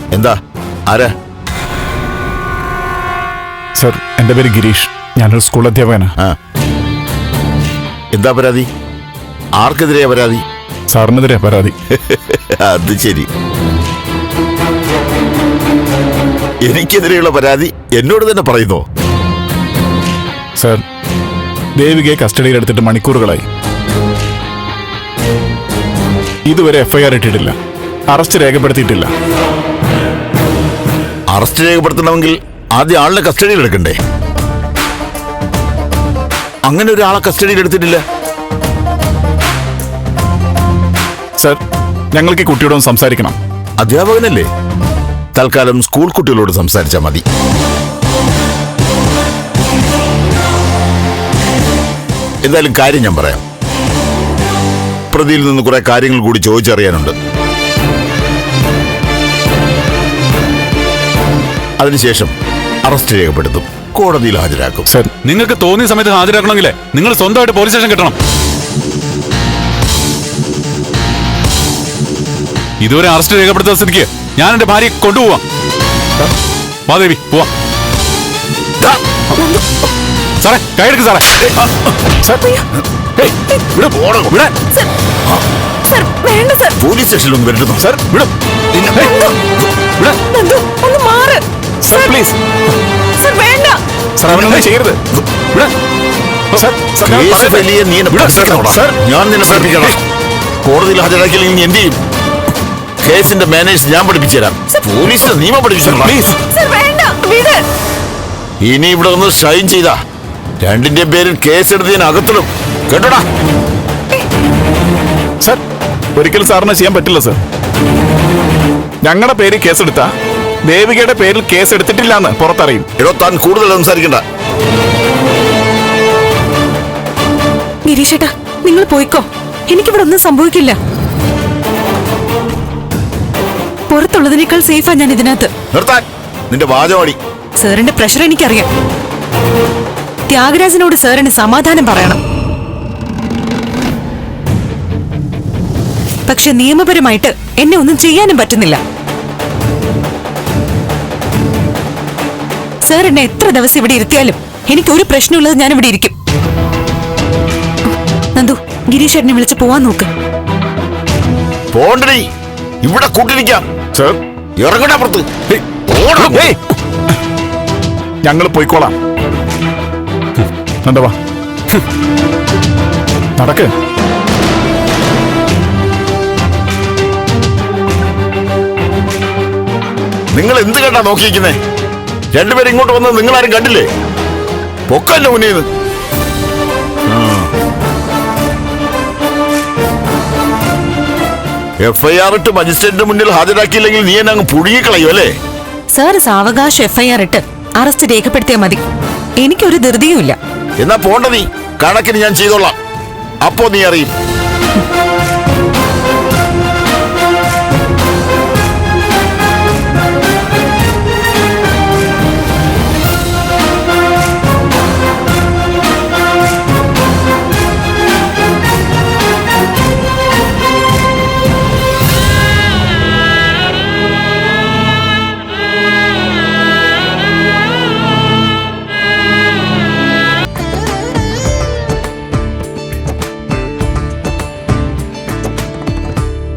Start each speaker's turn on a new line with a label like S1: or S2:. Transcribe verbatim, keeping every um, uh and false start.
S1: എന്താ? ആരാ?
S2: സർ, എന്റെ പേര് ഗിരീഷ്. ഞാനൊരു സ്കൂൾ അധ്യാപകനാ.
S1: എന്താ പരാതി? ആർക്കെതിരെയാ പരാതി?
S2: സാറിനെതിരെ പരാതി.
S1: അത് ശരി. എനിക്കെതിരെയുള്ള പരാതി എന്നോട് തന്നെ പറയുന്നോ?
S2: സർ, ദേവികയെ കസ്റ്റഡിയിൽ എടുത്തിട്ട് മണിക്കൂറുകളായി. ഇതുവരെ എഫ്ഐആർ ഇട്ടിട്ടില്ല, അറസ്റ്റ് രേഖപ്പെടുത്തിയിട്ടില്ല.
S1: അറസ്റ്റ് രേഖപ്പെടുത്തണമെങ്കിൽ ആദ്യം ആളിനെ കസ്റ്റഡിയിൽ എടുക്കണ്ടേ? അങ്ങനെ ഒരാളെ കസ്റ്റഡിയിൽ എടുത്തിട്ടില്ല.
S2: സർ, ഞങ്ങൾക്ക് ഈ കുട്ടിയോടൊന്ന് സംസാരിക്കണം.
S1: അധ്യാപകനല്ലേ? തൽക്കാലം സ്കൂൾ കുട്ടികളോട് സംസാരിച്ചാൽ മതി. എന്തായാലും കാര്യം ഞാൻ പറയാം. പ്രതിയിൽ നിന്ന് കുറെ കാര്യങ്ങൾ കൂടി ചോദിച്ചറിയാനുണ്ട്. അതിനുശേഷം അറസ്റ്റ് രേഖപ്പെടുത്തും, കോടതിയിൽ ഹാജരാക്കും.
S2: സർ,
S3: നിങ്ങൾക്ക് തോന്നിയ സമയത്ത് ഹാജരാക്കണമെങ്കിലേ നിങ്ങൾ സ്വന്തമായിട്ട് പോലീസ് സ്റ്റേഷൻ കിട്ടണം. ഇതുവരെ അറസ്റ്റ് രേഖപ്പെടുത്തുന്ന സ്ഥിതിക്ക് ഞാൻ എന്റെ ഭാര്യയെ കൊണ്ടുപോവാം. മാദേവി പോവാം. സാറേ, കൈയെടുക്ക് സാറേ.
S1: പോലീസ് സ്റ്റേഷനിലൊന്നും വരുന്നു.
S2: സർ, വിടും. പ്ലീസ് സർ, അവനൊന്നും ചെയ്യരുത്.
S1: ഞാൻ നിന്നെ പഠിപ്പിക്കണം. കോടതിയിൽ ഹാജരാക്കിയില്ലെങ്കിൽ നീ എന്ത് ചെയ്യും? കേസിന്റെ മാനേജ് ഞാൻ പഠിപ്പിച്ചു തരാം. പോലീസിന്റെ നിയമം പഠിപ്പിച്ചു. ഇനി ഇവിടെ ഒന്ന് ഷൈൻ ചെയ്താ രണ്ടിന്റെ പേരിൽ കേസെടുത്ത് ഞാൻ അകത്തിടും. കേട്ടോടാ?
S2: സർ, ഒരിക്കലും സാറിന് ചെയ്യാൻ പറ്റില്ല സർ. ഞങ്ങളുടെ പേരിൽ കേസെടുത്താ ദേവികയുടെ പേരിൽ കേസ് എടുത്തിട്ടില്ല എന്ന് പുറത്തറിയും.
S1: എടോ, താൻ കൂടുതൽ സംസാരിക്കണ്ട.
S4: ഗിരീഷേട്ടാ, നിങ്ങൾ പോയിക്കോ. എനിക്കിവിടെ ഒന്നും സംഭവിക്കില്ല. പുറത്തുള്ളതിനേക്കാൾ സേഫാ ഞാൻ ഇതിനകത്ത്.
S1: നിർത്താൻ നിന്റെ വാചകമടി.
S4: സാറിന്റെ പ്രഷർ എനിക്കറിയാം. ത്യാഗരാജനോട് സാറിന് സമാധാനം പറയണം. പക്ഷെ നിയമപരമായിട്ട് എന്നെ ഒന്നും ചെയ്യാനും പറ്റുന്നില്ല. സാർ എന്നെ എത്ര ദിവസം ഇവിടെ ഇരുത്തിയാലും എനിക്ക് ഒരു പ്രശ്നമുള്ളത് ഞാൻ ഇവിടെ ഇരിക്കും. നന്ദു, ഗിരീഷ് എന്നെ വിളിച്ച് പോവാൻ നോക്ക്.
S1: പോണ്ടടി, ഇവിടെ കൂട്ടിരിക്കാം.
S2: സർ,
S1: ഇറങ്ങടാ പുറത്ത്.
S2: ഞങ്ങൾ പോയിക്കോളാം. നന്ദവാ, നടക്ക്.
S1: നിങ്ങൾ എന്ത് കണ്ടാ നോക്കിയിരിക്കുന്നേ? രണ്ടുപേരും ഇങ്ങോട്ട് വന്നത് നിങ്ങളാരും കണ്ടില്ലേ? പൊക്കല്ല മുന്നേന്ന്. എഫ്ഐആർ ഇട്ട് മജിസ്ട്രേറ്റിന്റെ മുന്നിൽ ഹാജരാക്കിയില്ലെങ്കിൽ നീ എന്നെ അങ്ങ് പുഴുകിക്കളയും അല്ലേ?
S4: സാർ സാവകാശം എഫ്ഐആർ ഇട്ട് അറസ്റ്റ് രേഖപ്പെടുത്തിയാൽ മതി. എനിക്കൊരു ധൃതിയുമില്ല.
S1: എന്നാ പോണ്ട നീ. കണക്കിന് ഞാൻ ചെയ്തോളാം. അപ്പോ നീ അറിയും.